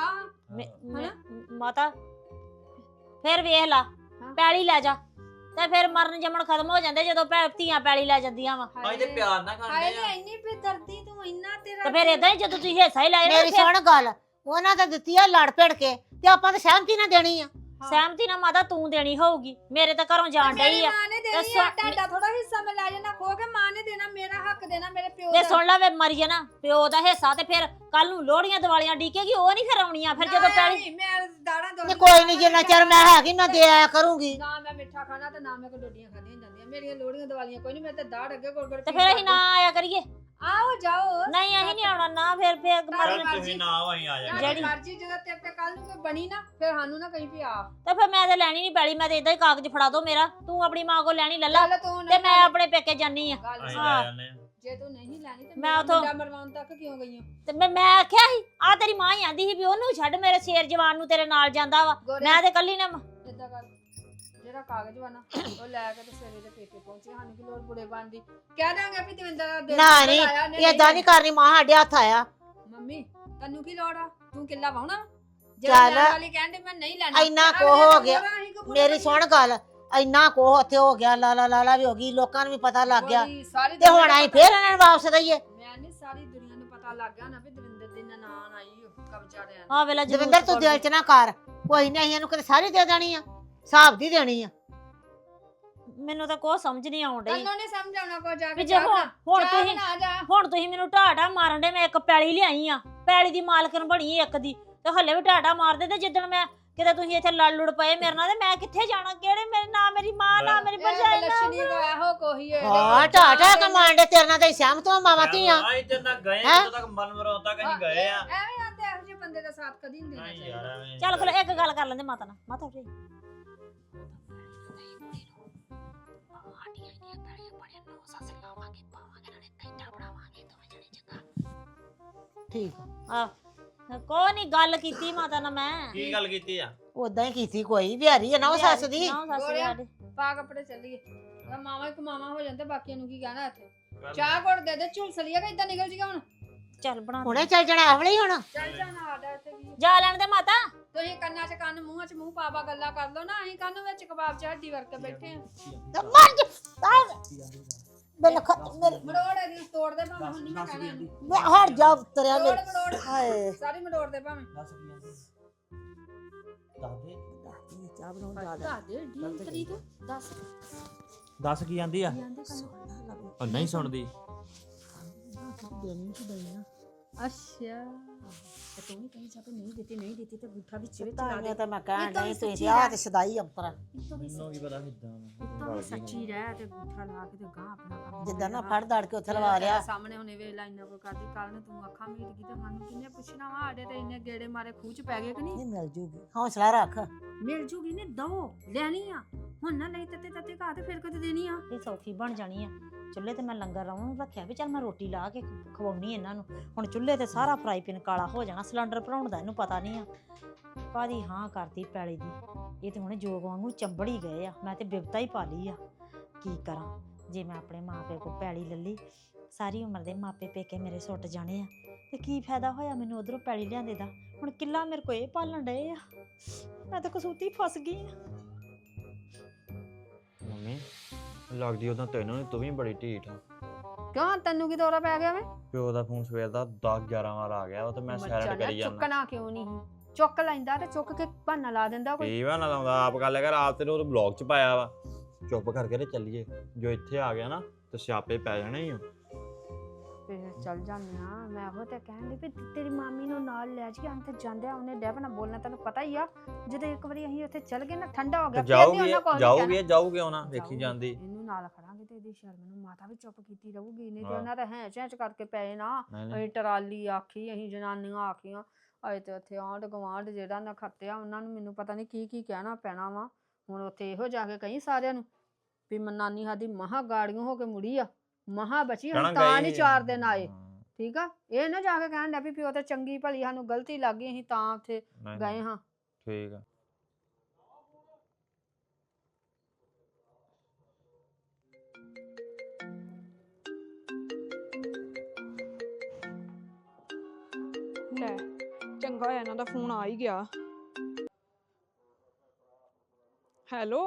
Speaker 1: ਮਾਤਾ ਫਿਰ ਵੇਖ ਲਾ ਪੈਲੀ ਲੈ ਜਾ ਤੇ ਫਿਰ ਮਰਨ ਜਮਣ ਖਤਮ ਹੋ ਜਾਂਦੇ ਜਦੋਂ ਧੀਆਂ ਪੈਲੀ ਲੈ ਜਾਂਦੀਆਂ ਵਾ
Speaker 4: ਅਸੀਂ ਤੇ ਪਿਆਰ ਨਾਲ
Speaker 3: ਹਾਏ
Speaker 4: ਖਾਂਦੇ
Speaker 3: ਲੈ
Speaker 4: ਆ।
Speaker 3: ਇੰਨੀ ਬੇਦਰਦੀ ਤੂੰ ਇੰਨਾ ਤੇਰਾ
Speaker 1: ਤੇ ਫਿਰ ਇਦਾਂ ਹੀ ਜਦੋਂ ਤੁਸੀਂ ਹਿੱਸਾ ਹੀ ਲਾਇਆ
Speaker 2: ਮੇਰੀ ਸੁਣ ਗੱਲ, ਉਹਨਾਂ ਤਾਂ ਦਿੱਤੀ ਆ ਲੜ ਭਿੜ ਕੇ ਤੇ ਆਪਾਂ ਤਾਂ ਸਹਿਮਤੀ ਨਾ ਦੇਣੀ ਆ।
Speaker 1: ਸਹਿਮਤੀ ਨਾਲ ਮਾਤਾ ਤੂੰ ਦੇਣੀ ਹੋਊਗੀ, ਮੇਰੇ ਤਾਂ ਘਰੋਂ ਜਾਣ ਡਈ ਆ।
Speaker 3: ਮਾਂ ਨੇ ਦੇਣੀ ਆ, ਤੁਹਾਡਾ ਥੋੜਾ ਹਿੱਸਾ ਮੈਂ ਲੈ ਜਾਣਾ ਖੋ ਕੇ, ਮਾਂ ਨੇ ਦੇਣਾ, ਮੇਰਾ ਹੱਕ ਦੇਣਾ, ਮੇਰੇ ਪਿਓ
Speaker 1: ਵੇ
Speaker 3: ਦਾ।
Speaker 1: ਸੁਣ ਲੈ ਵੇ ਮਰੀ ਜਾਣਾ ਪਿਓ ਦਾ ਹਿੱਸਾ ਤੇ ਫਿਰ ਕੱਲ ਨੂੰ ਲੋਹੜੀਆਂ ਦੀਵਾਲੀਆਂ ਡੀਕੇਗੀ, ਉਹ ਨਹੀਂ ਫਿਰ ਆਉਣੀਆਂ ਫਿਰ ਜਦੋਂ ਪੈਲੀ
Speaker 3: ਮੈਂ ਦਾੜਾ ਦੋ
Speaker 2: ਨਹੀਂ ਕੋਈ ਨਹੀਂ, ਜਿੰਨਾ ਚਿਰ ਮੈਂ ਹੈਗੀ ਮੈਂ ਦੇ ਆਇਆ ਕਰੂੰਗੀ।
Speaker 3: ਨਾ ਮੈਂ ਮਿੱਠਾ ਖਾਣਾ ਤੇ ਨਾ ਮੈਂ ਕੋ ਡੋਡੀਆਂ ਖਾਣੀਆਂ ਜਾਂਦੀਆਂ, ਮੇਰੀਆਂ ਲੋੜੀਆਂ ਦੀਵਾਲੀਆਂ ਕੋਈ ਨਹੀਂ, ਮੈਂ ਤੇ ਦਾੜ ਅੱਗੇ ਗੁਰਗੁਰ
Speaker 1: ਤੇ ਫਿਰ ਅਸੀਂ ਨਾ ਆਇਆ ਕਰੀਏ।
Speaker 3: ਆਓ ਜਾਓ
Speaker 1: ਨਹੀਂ ਅਸੀਂ ਨਹੀਂ ਆਉਣਾ ਨਾ, ਫਿਰ
Speaker 4: ਚੱਲ
Speaker 1: ਮਰਨ
Speaker 4: ਤੁਸੀਂ ਨਾ ਆਓ ਅਸੀਂ ਆ ਜਾਵਾਂਗੇ।
Speaker 3: ਜਿਹੜੀ ਮਰਜ਼ੀ ਜਦੋਂ ਤੇਰੇ ਤੇ ਕੱਲ ਨੂੰ ਕੋਈ ਬਣੀ ਨਾ ਫਿਰ ਸਾਨੂੰ ਨਾ ਕਹੀਂ ਵੀ ਆ
Speaker 1: ਤੇ ਫਿਰ ਮੈਂ ਤੇ ਲੈਣੀ ਨਹੀਂ ਪੈਲੀ, ਮੈਂ ਤੇ ਇਦਾਂ ਹੀ ਕਾਗਜ਼ ਫੜਾ ਦੋ ਮੇਰਾ, ਤੂੰ ਆਪਣੀ ਮਾਂ ਕੋਲ ਲੈਣੀ ਲੱਲਾ
Speaker 3: ਚੱਲ ਤੂੰ
Speaker 1: ਤੇ ਮੈਂ ਆਪਣੇ ਪੇਕੇ ਜਾਨੀ ਆ।
Speaker 3: ਗੱਲ
Speaker 4: ਅਸੀਂ
Speaker 3: ਸੁਣ,
Speaker 4: ਲੈ ਜਾਂਦੇ ਆ।
Speaker 3: ਜੇ ਤੂੰ ਨਹੀਂ ਲੈਣੀ ਤੇ
Speaker 1: ਮੈਂ
Speaker 3: ਮੈਂ
Speaker 1: ਉੱਥੋਂ-
Speaker 3: ਮੁੰਡਾ ਮਰਵਾਉਣ ਤੱਕ ਕਿਉਂ ਗਈ ਹਾਂ
Speaker 1: ਤੇ ਮੈਂ ਆਖਿਆ ਸੀ ਆ ਤੇਰੀ ਮਾਂ ਹੀ ਆਂਦੀ ਸੀ ਵੀ ਉਹਨੂੰ ਛੱਡ, ਮੇਰੇ ਸ਼ੇਰ ਜਵਾਨ ਨੂੰ ਤੇਰੇ ਨਾਲ ਜਾਂਦਾ ਵਾ, ਮੈਂ ਤੇ ਕੱਲੀ ਨੇ
Speaker 3: ਇਦਾਂ ਕਰ, ਜਿਹੜਾ ਕਾਗਜ਼ ਵਾ ਨਾ ਉਹ ਲੈ ਕੇ ਤੇ ਸਵੇਰੇ ਦੇ ਪੇਕੇ ਪਹੁੰਚੀ, ਸਾਨੂੰ ਕੀ ਲੋੜ ਬੁੜੇ ਬਣਦੀ, ਕਹਿ ਦਾਂਗੇ ਵੀ ਦਵਿੰਦਰ ਦਾ ਦਿਲ
Speaker 2: ਨਾ
Speaker 3: ਆਇਆ,
Speaker 2: ਨਹੀਂ ਏਦਾਂ ਨਹੀਂ ਕਰਨੀ, ਮਾਂ ਸਾਡੇ ਹੱਥ ਆਇਆ।
Speaker 3: ਮੰਮੀ ਤੈਨੂੰ ਕੀ ਲੋੜ ਆ, ਤੂੰ ਕਿੱਲਾ ਵਾਉਣਾ
Speaker 2: ਚੱਲ।
Speaker 3: ਵਾਲੀ ਕਹਿੰਦੇ ਮੈਂ ਨਹੀਂ ਲੈਣਾ,
Speaker 2: ਇੰਨਾ ਕੁ ਹੋ ਗਿਆ। ਮੇਰੀ ਸੁਣ ਗੱਲ, ਇੰਨਾ ਕੋ ਉੱਥੇ ਹੋ ਗਿਆ, ਲਾਲਾ ਵੀ ਹੋ ਗਈ, ਲੋਕਾਂ ਨੂੰ ਵੀ ਪਤਾ ਲੱਗ ਗਿਆ ਤੇ ਹੁਣ ਅਸੀਂ ਫੇਰ ਇਹਨਾਂ ਨੂੰ ਵਾਪਸ ਦਈਏ।
Speaker 3: ਮੈਂ ਨਹੀਂ, ਸਾਰੀ ਦੁਨੀਆ ਨੂੰ ਪਤਾ ਲੱਗ ਗਿਆ ਨਾ ਵੀ ਦਵਿੰਦਰ ਦੀ ਨਨਾਣ ਆਈ ਉਹ ਕਬਜ਼ਾ ਦੇਣ।
Speaker 1: ਆ ਵੇਲਾ
Speaker 2: ਦਵਿੰਦਰ ਤੂੰ ਦਿਲ ਚ ਨਾ ਕਰ, ਕੋਈ ਨਹੀਂ ਅਸੀਂ ਇਹਨੂੰ ਕਦੇ ਸਾਰੀ ਦੇ ਦੇਣੀ ਆ, ਹਿਸਾਬ ਦੀ ਦੇਣੀ ਆ।
Speaker 1: ਮੈਨੂੰ ਤਾਂ ਕੋਈ ਸਮਝ ਨਹੀਂ ਆਉਣ ਡਈ
Speaker 3: ਤੈਨੂੰ ਨਹੀਂ ਸਮਝ ਆਉਣਾ ਕੋ ਜਾ
Speaker 1: ਵੀ
Speaker 3: ਕੇ
Speaker 1: ਜੇ ਹੁਣ ਤੁਸੀਂ ਮੈਨੂੰ ਢਾਟਾ ਮਾਰਨ ਦੇ, ਮੈਂ ਇੱਕ ਪੈਲੀ ਲਿਆਈ ਆ, ਪੈਲੀ ਦੀ ਮਾਲਕਣ ਬਣੀ ਇੱਕ ਦੀ, ਤੇ ਹੱਲੇ ਵੀ ਢਾਟਾ ਮਾਰਦੇ, ਤੇ ਜਿੱਦਣ ਮੈਂ ਕਿਤੇ ਤੁਸੀਂ ਇੱਥੇ ਲੜ ਲੁੜ ਪਏ ਮੇਰੇ ਨਾਲ, ਤੇ ਮੈਂ ਕਿੱਥੇ ਜਾਣਾ, ਕਿਹੜੇ ਮੇਰੇ ਨਾ ਮੇਰੀ ਮਾਂ ਨਾ ਮੇਰੀ ਭਰਜਾਈ
Speaker 3: ਲక్ష్ਮੀ ਕੋ ਇਹੋ ਕੋਹੀ ਹੈ।
Speaker 2: ਹਾਂ ਢਾਟਾ ਕਮਾਂਡੇ ਤੇਰੇ ਨਾਲ ਤਾਂ ਸਹਿਮਤ ਹਾਂ ਮਾਵਾਂ ਧੀਆਂ।
Speaker 4: ਅਸੀਂ ਤੇ ਨਾ ਗਏ
Speaker 2: ਹੈਂ?
Speaker 4: ਜਦੋਂ ਤੱਕ ਮਨ ਮਰਾਉਣ ਤੱਕ ਅਸੀਂ ਗਏ ਆ।
Speaker 3: ਐਵੇਂ ਆਂਦੇ ਇਹੋ ਜਿਹੇ ਬੰਦੇ ਦਾ ਸਾਥ ਕਦੀ ਨਹੀਂ ਦੇਣਾ
Speaker 4: ਨਹੀਂ ਯਾਰ
Speaker 3: ਚਾਹੀਦਾ।
Speaker 4: ਐਵੇਂ
Speaker 1: ਚੱਲ ਕੋਲ ਇੱਕ ਗੱਲ ਕਰ ਲੈਂਦੇ ਮਾਤਾ ਨਾਲ, ਮਾਤਾ ਉਰੇ
Speaker 2: ਠੀਕ
Speaker 1: ਆ ਕੋਈ ਨਹੀਂ ਗੱਲ ਕੀਤੀ ਮਾਤਾ ਨਾਲ ਮੈਂ,
Speaker 4: ਕੀ ਗੱਲ ਕੀਤੀ ਆ?
Speaker 2: ਉਦਾਂ ਹੀ ਕੀਤੀ, ਕੋਈ ਵਿਹਾਰੀ ਹੈ ਨਾ ਉਹ ਸੱਸ ਦੀ।
Speaker 1: ਨਾ ਸੱਸ ਦੀ ਸਾਡੀ।
Speaker 3: ਪਾ ਕੱਪੜੇ ਚੱਲੀਏ, ਮਾਵਾ ਇੱਕ ਮਾਵਾ ਹੋ ਜਾਂਦੇ, ਬਾਕੀਆਂ ਨੂੰ ਕੀ ਕਹਿਣਾ ਇੱਥੇ। ਚਾਹ ਘੋੜ ਦੇ ਦੇ, ਝੁਲਸ ਲਿਆ ਕਿ ਇਦਾਂ ਨਿਕਲ ਜੀਗਾ ਹੁਣ।
Speaker 1: ਚੱਲ ਬਣਾ ਦੇ।
Speaker 2: ਹੁਣੇ ਚੱਲ ਜਾਣਾ ਆਵਲੇ ਹੀ ਹੁਣ।
Speaker 3: ਚੱਲ ਜਾਣਾ ਸਾਡਾ ਇੱਥੇ ਕੀ।
Speaker 1: ਜਾ ਲੈਣ ਦੇ ਮਾਤਾ।
Speaker 3: ਤੁਸੀਂ ਕੰਨਾਂ 'ਚ ਕੰਨ, ਮੂੰਹਾਂ 'ਚ ਮੂੰਹ ਪਾ ਗੱਲਾਂ ਕਰ ਲਓ ਨਾ, ਅਸੀਂ ਕੰਨ ਵਿੱਚ ਕਬਾਬ 'ਚ ਹੱਡੀ ਵਰਕੇ ਬੈਠੇ ਆ।
Speaker 2: ਤੇ ਮਰ ਜਾ ਮੇਰੇ
Speaker 3: ਮਰੋੜ ਇਹਦੀ ਤੋੜ ਦੇ ਭਾਵੇਂ, ਹੁਣ ਨਹੀਂ ਮੈਂ ਕਹਿਣਾ ਇਹਨੂੰ।
Speaker 2: ਮੈਂ ਹਟ ਜਾ ਤਰਿਆ
Speaker 3: ਮਰੋੜ
Speaker 2: ਮੇਰੇ
Speaker 3: ਮਰੋੜ
Speaker 2: ਹਾਏ।
Speaker 3: ਸਾਰੀ ਮਰੋੜ ਦੇ ਭਾਵੇਂ।
Speaker 4: ਦੱਸ ਕੀ ਆਂਦੀ? ਦੱਸ ਦੇ।
Speaker 2: ਚਾਹ ਬਣਾਉਣ ਜਾ
Speaker 3: ਦੱਸ ਦੇ ਡੀ ਤਰੀਕ ਦੱਸ
Speaker 4: ਦੱਸ ਕੀ ਆਂਦੀ ਆ?
Speaker 3: ਕੀ ਆਂਦੇ ਕੰਨ।
Speaker 4: ਉਹ ਨਹੀਂ ਸੁਣਦੀ।
Speaker 2: ਦੇਣੀ ਕਿ ਦੇਣੀ
Speaker 3: ਅੱਛਾ ਤੇ ਤੂੰ ਵੀ ਕਹੀਂ ਚਾਹਤੇ ਨਹੀਂ ਦਿੱਤੀ ਤੇ ਗੁੱਠਾ ਵਿੱਚ ਵਿੱਚ ਲਾ
Speaker 2: ਤਾਂ
Speaker 3: ਦੇ।
Speaker 2: ਤਾਂ ਮੈਂ ਕਹਿਣ
Speaker 3: ਇਹ ਤਾਂ
Speaker 2: ਨਹੀਂ
Speaker 3: ਸੱਚੀ
Speaker 2: ਤੁਸੀਂ ਆ ਤੇ ਸਦਾਈ ਅੰਪਰਾ
Speaker 4: ਮੈਨੂੰ ਕੀ ਪਤਾ ਕਿੱਦਾਂ
Speaker 3: ਇੱਥੋਂ ਵੀ ਸੱਚੀ ਰਹਿ ਤੇ ਗੁੱਠਾ ਲਾ ਕੇ ਤੇ ਗਾਂ ਆਪਣਾ ਕੰਮ
Speaker 2: ਜਿੱਦਾਂ ਨਾ ਫੜ ਦੜ ਕੇ ਉੱਥੇ ਲਵਾ ਲਿਆ।
Speaker 3: ਸਾਹਮਣੇ ਹੁਣੇ ਵੇਖ ਲੈ ਇੰਨਾ ਕੋ ਕਰਦੀ, ਕੱਲ ਨੂੰ ਤੂੰ ਅੱਖਾਂ ਮੀਟ ਗਈ ਤੇ ਸਾਨੂੰ ਕਿੰਨੇ ਪੁੱਛਣਾ ਵਾ, ਸਾਡੇ ਤੇ ਇੰਨੇ ਗੇੜੇ ਮਾਰੇ ਖੂਹ ਚ ਪੈ ਗਏ ਕਿ ਨਹੀਂ।
Speaker 2: ਨਹੀਂ ਮਿਲ ਜੂਗੀ, ਹੌਸਲਾ ਰੱਖ।
Speaker 3: ਮਿਲ ਜੂਗੀ ਨੇ ਦੋ ਲੈਣੀ ਆ, ਹੁਣ ਨਾ ਲਈ ਤੱਤੇ ਘਾ ਤੇ ਫਿਰ ਕਦੇ ਦੇਣੀ ਆ।
Speaker 1: ਇਹ ਸੌਖੀ ਬਣ ਜਾਣੀ ਆ। ਚੁੱਲ੍ਹੇ ਤੇ ਮੈਂ ਲੰਗਰ ਲਾਉਣ ਨੂੰ ਰੱਖਿਆ ਵੀ ਚੱਲ ਮੈਂ ਰੋਟੀ ਲਾ ਕੇ ਖਵਾਉਣੀ ਇਹਨਾਂ ਨੂੰ। ਹੁਣ ਚੁੱਲ੍ਹੇ ਤੇ ਸਾਰਾ ਫਰਾਈ ਪੈਨ ਕਾਲਾ ਹੋ ਜਾਣਾ, ਸਿਲੰਡਰ ਭਰਾਉਣ ਦਾ ਇਹਨੂੰ ਪਤਾ ਨਹੀਂ ਆ। ਕਾਹਦੀ ਹਾਂ ਕਰਤੀ ਪੈਲੀ ਦੀ, ਇਹ ਤੇ ਹੁਣ ਜੋਗ ਵਾਂਗੂ ਚੰਬੜ ਹੀ ਗਏ ਆ। ਮੈਂ ਤੇ ਬਿਪਤਾ ਹੀ ਪਾ ਲਈ ਆ, ਕੀ ਕਰਾਂ। ਜੇ ਮੈਂ ਆਪਣੇ ਮਾਪੇ ਕੋਲ ਪੈਲੀ ਲੱਲੀ, ਸਾਰੀ ਉਮਰ ਦੇ ਮਾਪੇ ਪੇਕੇ ਮੇਰੇ ਸੁੱਟ ਜਾਣੇ ਆ, ਤੇ ਕੀ ਫਾਇਦਾ ਹੋਇਆ ਮੈਨੂੰ ਉਧਰੋਂ ਪੈਲੀ ਲਿਆਂਦੇ ਦਾ। ਹੁਣ ਕਿੱਲਾ ਮੇਰੇ ਕੋਲ ਇਹ ਪਾਲਣ ਡਏ ਆ, ਮੈਂ ਤਾਂ ਕਸੂਤੀ ਫਸ ਗਈ ਆ।
Speaker 4: ਮੰਮੀ ਲੱਗਦੀ ਉਹਦਾ ਤੈਨੂੰ ਤੂੰ ਵੀ ਬੜੀ ਢੀਠ ਆ।
Speaker 3: ਕਿਉਂ ਤੈਨੂੰ ਕੀ ਦੌਰਾ ਪੈ ਗਿਆ ਵੇ?
Speaker 4: ਪਿਓ ਦਾ ਫੋਨ ਸਵੇਰ ਦਾ 10-11 ਵਾਰ ਆ ਗਿਆ, ਉਹ ਤੇ ਮੈਂ ਸਾਈਡ ਕਰੀ ਜਾਂਦਾ।
Speaker 3: ਚੁੱਕਣਾ ਕਿਉਂ ਨਹੀਂ? ਚੁੱਕ ਲੈਂਦਾ ਤੇ ਚੁੱਕ ਕੇ ਬਹਾਨਾ ਲਾ ਦਿੰਦਾ ਕੋਈ।
Speaker 4: ਪੀਵਾ ਨਾ ਲਾਉਂਦਾ, ਆਪ ਗੱਲ ਕਰ, ਆਪ ਤੇ ਉਹ ਬਲੌਗ ਚ ਪਾਇਆ ਵਾ। ਚੁੱਪ ਕਰਕੇ ਤੇ ਚੱਲੀਏ, ਜੋ ਇੱਥੇ ਆ ਗਿਆ ਨਾ ਤੇ ਸਿਆਪੇ ਪੈ ਜਾਣੇ ਹੀ।
Speaker 3: ਫਿਰ ਚੱਲ ਜਾਂਦੇ ਆ। ਮੈਂ ਉਹ ਤੇ ਕਹਿਣ ਲਈ ਵੀ ਤੇਰੀ ਮਾਮੀ ਨੂੰ ਨਾਲ ਲੈ ਜੀ, ਅੰਤ ਜਾਂਦੇ ਆ ਉਹਨੇ ਡੈਬ ਨਾ ਬੋਲਣਾ, ਤੈਨੂੰ ਪਤਾ ਹੀ ਆ। ਜਦੋਂ ਇੱਕ ਵਾਰੀ ਅਸੀਂ ਉੱਥੇ ਚੱਲ ਗਏ ਨਾ, ਠੰਡਾ ਹੋ ਗਿਆ,
Speaker 4: ਜਾਊਗੀ ਉਹਨਾਂ ਵੇਖੀ ਜਾਂਦੀ।
Speaker 3: ਇਹਨੂੰ ਨਾਲ ਖੜਾਂਗੇ ਤੇ ਇਹਦੀ ਸ਼ਰਮ ਨੂੰ ਮਾਤਾ ਵੀ ਚੁੱਪ ਕੀਤੀ ਰਹੂਗੀ, ਨਹੀਂ ਤੇ ਉਹਨਾਂ ਤਾਂ ਹੈਂ ਚੈਂਚ ਕਰਕੇ ਪਏ ਨਾ। ਅਸੀਂ ਟਰਾਲੀ ਆਖੀ, ਅਸੀਂ ਜਨਾਨੀਆਂ ਆਖੀਆਂ, ਅਜੇ ਤੇ ਉੱਥੇ ਆਂਢ ਗਵਾਂਢ ਜਿਹੜਾ ਨਾ ਖੱਤਿਆ, ਉਹਨਾਂ ਨੂੰ ਮੈਨੂੰ ਪਤਾ ਨਹੀਂ ਕੀ ਕਹਿਣਾ ਪੈਣਾ ਵਾ। ਹੁਣ ਉੱਥੇ ਇਹੋ ਜਾ ਕੇ ਕਹੀਂ ਸਾਰਿਆਂ ਨੂੰ ਵੀ ਨਾਨੀ ਸਾਡੀ ਮਹਾ ਗਾੜੀਆਂ ਹੋ ਕੇ ਮੁੜੀ ਆ, ਮਹਾ ਬਚੀ, ਹੁਣ ਤਾਂ ਨਹੀਂ 4 ਦਿਨ ਆਏ। ਠੀਕ ਆ, ਇਹ ਨਾ ਜਾ ਕੇ ਕਹਿਣ ਡਿਆ ਵੀ ਪਿਓ ਤੇ ਚੰਗੀ ਭਲੀ ਸਾਨੂੰ ਗਲਤੀ ਲੱਗ ਗਈ ਅਸੀਂ ਤਾਂ ਉੱਥੇ
Speaker 4: ਨਹੀਂ
Speaker 3: ਗਏ
Speaker 4: ਨਹੀਂ,
Speaker 3: ਹਾਂ।
Speaker 4: ਠੀਕ ਆ।
Speaker 3: ਲੈ ਚੰਗਾ ਹੋਇਆ ਇਹਨਾਂ ਦਾ ਫੋਨ ਆ ਹੀ ਗਿਆ। ਹੈਲੋ।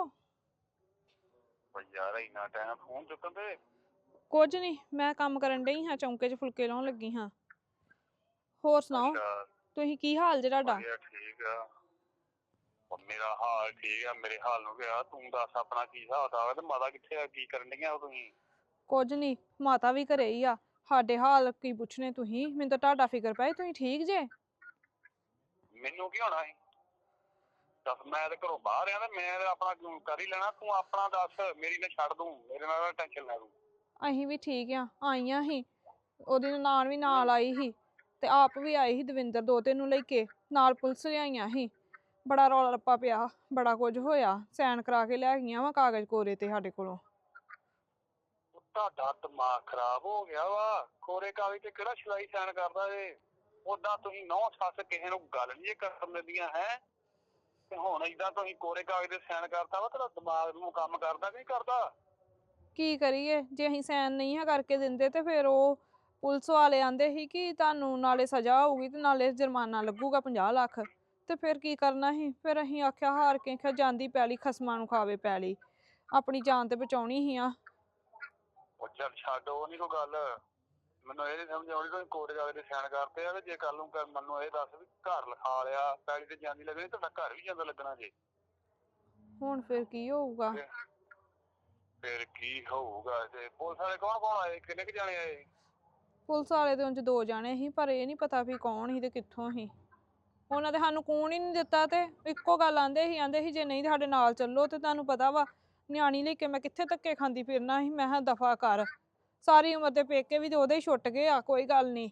Speaker 5: ਓ ਯਾਰ ਇੰਨਾ ਟਾਈਮ ਫੋਨ ਚੁੱਕਣ ਤੇ
Speaker 3: ਕੁਝ ਨਹੀਂ, ਮੈਂ ਕੰਮ ਕਰਨ ਡਈ ਹਾਂ, ਚੌਂਕੇ 'ਚ ਫੁਲਕੇ ਲਾਉਣ ਲੱਗੀ ਹਾਂ। ਹੋਰ ਸੁਣਾਓ,
Speaker 5: ਅੱਛਾ
Speaker 3: ਤੁਸੀਂ ਕੀ ਹਾਲ ਜੇ ਤੁਹਾਡਾ?
Speaker 5: ਵਧੀਆ ਠੀਕ ਆ। ਉਹ ਮੇਰਾ ਹਾਲ ਠੀਕ ਆ, ਮੇਰੇ ਹਾਲ ਨੂੰ ਗਿਆ ਤੂੰ ਦੱਸ ਆਪਣਾ ਕੀ ਹਿਸਾਬ ਆ ਤੇ ਮਾਤਾ ਕਿੱਥੇ ਆ, ਕੀ ਕਰਨ ਡੀਆਂ ਉਹ ਤੁਸੀਂ?
Speaker 3: ਕੁਝ ਨਹੀਂ, ਮਾਤਾ ਵੀ ਘਰੇ ਹੀ ਆ। ਸਾਡੇ ਹਾਲ ਕੀ ਪੁੱਛਣੇ ਤੁਸੀਂ? ਮੈਨੂੰ ਤਾਂ ਤੁਹਾਡਾ ਫਿਕਰ ਪਿਆ, ਤੁਸੀਂ ਠੀਕ ਜੇ?
Speaker 5: ਮੈਨੂੰ ਕੀ ਹੋਣਾ ਸੀ? ਦੱਸ, ਮੈਂ ਤੇ ਘਰੋਂ ਬਾਹਰ ਆ ਤੇ ਮੈਂ ਤੇ ਆਪਣਾ ਕਰ ਹੀ ਲੈਣਾ, ਤੂੰ ਆਪਣਾ ਦੱਸ। ਮੇਰੀ ਨਾ ਛੱਡ ਦੂੰ, ਮੇਰੇ ਨਾਲ ਟੈਨਸ਼ਨ ਲੈ ਤੂੰ।
Speaker 3: ਅਸੀਂ ਵੀ ਠੀਕ ਆ, ਆਈਆਂ ਸੀ, ਉਹਦੀ ਨਨਾਣ ਵੀ ਨਾਲ ਆਈ ਸੀ ਤੇ ਆਪ ਵੀ ਆਈ ਸੀ ਦਵਿੰਦਰ ਦੋਤੇ ਨੂੰ ਲੈ ਕੇ, ਨਾਲ ਪੁਲਿਸ ਲਿਆਈਆਂ ਸੀ। ਬੜਾ ਰੌਲਾ ਰੱਪਾ ਪਿਆ, ਬੜਾ ਕੁਝ ਹੋਇਆ, ਸਾਈਨ ਕਰਾ ਕੇ ਲੈ ਗਈਆਂ ਵਾ ਕਾਗਜ਼ ਕੋਰੇ ਤੇ ਸਾਡੇ ਕੋਲੋਂ।
Speaker 5: ਤੁਹਾਡਾ ਦਿਮਾਗ ਖਰਾਬ ਹੋ ਗਿਆ ਵਾ, ਕੋਰੇ ਕਾਗਜ਼ ਤੇ ਕਿਹੜਾ ਸਿਲਾਈ ਸਾਈਨ ਕਰਦਾ ਏ? ਉਦਾਂ ਤੁਸੀਂ ਨੌ ਸੱਸ ਕਿਸੇ ਨੂੰ ਗੱਲ ਨਹੀਂ ਕਰਨ ਦਿੰਦੀਆਂ ਹੈ, ਤੇ ਹੁਣ ਏਦਾਂ ਤੁਸੀਂ ਕੋਰੇ ਕਾਗਜ਼ ਤੇ ਸਾਈਨ ਕਰਤਾ ਵਾ, ਤੇਰਾ ਦਿਮਾਗ ਨੂੰ ਕੰਮ ਕਰਦਾ ਕਿ ਨਹੀਂ ਕਰਦਾ?
Speaker 3: ਕੀ ਕਰੀਏ, ਜੇ ਅਸੀਂ ਸਾਈਨ ਨਹੀਂ ਹੈ ਕਰਕੇ ਦਿੰਦੇ ਤੇ ਫਿਰ ਉਹ ਪੁਲਿਸ ਵਾਲੇ ਆਂਦੇ ਸੀ ਕਿ ਤੁਹਾਨੂੰ ਨਾਲੇ ਸਜ਼ਾ ਹੋਊਗੀ ਤੇ ਨਾਲੇ ਜੁਰਮਾਨਾ ਲੱਗੂਗਾ 50 ਲੱਖ। ਤੇ ਫਿਰ ਕੀ ਕਰਨਾ ਸੀ? ਫਿਰ ਅਸੀਂ ਆਖਿਆ ਹਾਰ ਕੇ ਆਖਿਆ ਜਾਂਦੀ ਪੈਲੀ ਖਸਮਾਂ ਨੂੰ ਖਾਵੇ ਪੈਲੀ, ਆਪਣੀ ਜਾਨ ਤੇ ਬਚਾਉਣੀ ਸੀ ਆ।
Speaker 5: ਉਹ ਚੱਲ ਛੱਡ, ਉਹ ਨਹੀਂ ਕੋਈ ਗੱਲ। ਮੈਨੂੰ ਇਹ ਨੀ ਸਮਝ ਆਉਂਦੀ, ਤੁਸੀਂ ਕੋਰੇ ਕਾਗਜ਼ ਤੇ ਸਾਈਨ ਕਰਤੇ ਆ ਤੇ ਜੇ ਕੱਲ ਨੂੰ ਮੈਨੂੰ ਇਹ ਦੱਸ ਵੀ ਘਰ ਲਿਖਾ ਲਿਆ, ਪੈਲੀ ਤੇ ਜਾਂਦੀ ਲੱਗਣੀ, ਤੁਹਾਡਾ ਘਰ ਵੀ ਜਾਂਦਾ ਲੱਗਣਾ ਜੇ।
Speaker 3: ਹੁਣ ਫਿਰ ਕੀ ਹੋਊਗਾ?
Speaker 5: ਫਿਰ ਕੀ ਹੋਊਗਾ? ਤੇ ਪੁਲਿਸ ਵਾਲੇ ਕੌਣ ਕੌਣ ਆਏ, ਕਿੰਨੇ ਕੁ ਜਾਣੇ ਆਏ?
Speaker 3: ਪੁਲਿਸ ਵਾਲੇ ਦੇ ਉਂਝ 2 ਜਾਣੇ ਸੀ, ਪਰ ਇਹ ਨਹੀਂ ਪਤਾ ਵੀ ਕੌਣ ਸੀ ਤੇ ਕਿੱਥੋਂ ਸੀ। ਉਹਨਾਂ ਤੇ ਸਾਨੂੰ ਕੌਣ ਹੀ ਨਹੀਂ ਦਿੱਤਾ, ਤੇ ਇੱਕੋ ਗੱਲ ਆਂਦੇ ਸੀ ਜੇ ਨਹੀਂ ਸਾਡੇ ਨਾਲ ਚੱਲੋ ਤੇ ਤੁਹਾਨੂੰ ਪਤਾ ਵਾ ਨਿਆਣੀ ਲੈ ਕੇ ਮੈਂ ਕਿੱਥੇ ਧੱਕੇ ਖਾਂਦੀ ਫਿਰਨਾ ਸੀ। ਮੈਂ ਕਿਹਾ ਦਫਾ ਕਰ, ਸਾਰੀ ਉਮਰ ਦੇ ਪੇਕੇ ਵੀ ਤੇ ਉਹਦੇ ਹੀ ਛੁੱਟ ਗਏ ਆ, ਕੋਈ ਗੱਲ ਨਹੀਂ।